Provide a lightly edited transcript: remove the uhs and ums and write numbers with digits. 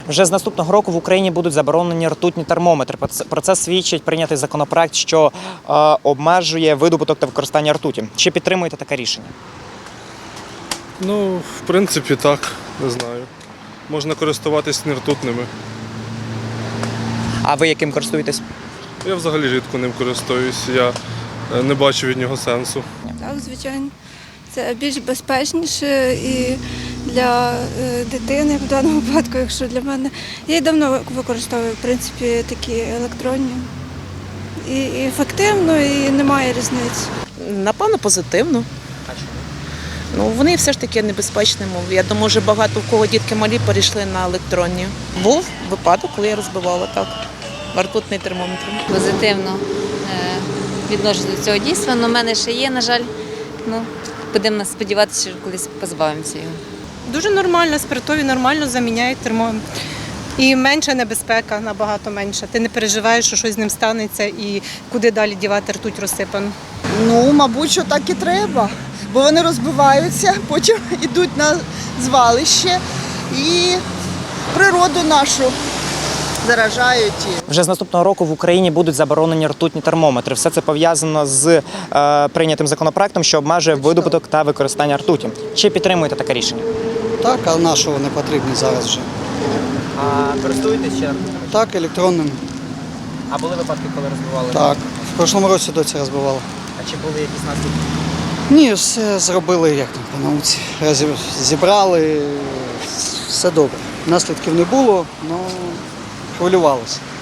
Вже з наступного року в Україні будуть заборонені ртутні термометри. Про це свідчить прийнятий законопроект, що обмежує видобуток та використання ртуті. Чи підтримуєте таке рішення? Ну, в принципі, так, не знаю. Можна користуватись нертутними. А ви яким користуєтесь? Я взагалі рідко ним користуюсь, я не бачу від нього сенсу. Так, звичайно. Це більш безпечніше і для дитини в даному випадку, якщо для мене. Я і давно використовую, в принципі, такі електронні. І ефективно, і немає різниці. Напевно, позитивно. Ну, вони все ж таки небезпечні. Я думаю, вже багато в кого дітки малі перейшли на електронні. Був випадок, коли я розбивала так. Ртутний термометр. Позитивно відношусь до цього дійства, але в мене ще є, на жаль. Будемо сподіватися, що колись позбавимося його. Дуже нормально, спиртові нормально заміняють термометр. І менша небезпека, набагато менша. Ти не переживаєш, що щось з ним станеться і куди далі дівати ртуть розсипану. Ну, мабуть, що так і треба, бо вони розбиваються, потім йдуть на звалище і природу нашу заражають. Вже з наступного року в Україні будуть заборонені ртутні термометри. Все це пов'язано з прийнятим законопроектом, що обмежує видобуток та використання ртуті. Чи підтримуєте таке рішення? Так, а на що вони потрібні зараз вже? А користуєтесь ще? Так, електронним. А були випадки, коли розбивали? Так. В прошлому році доця розбивала. А чи були якісь наслідки? Ні, все зробили, як там по науці. Зібрали, все добре. Наслідків не було, але хвилювалося.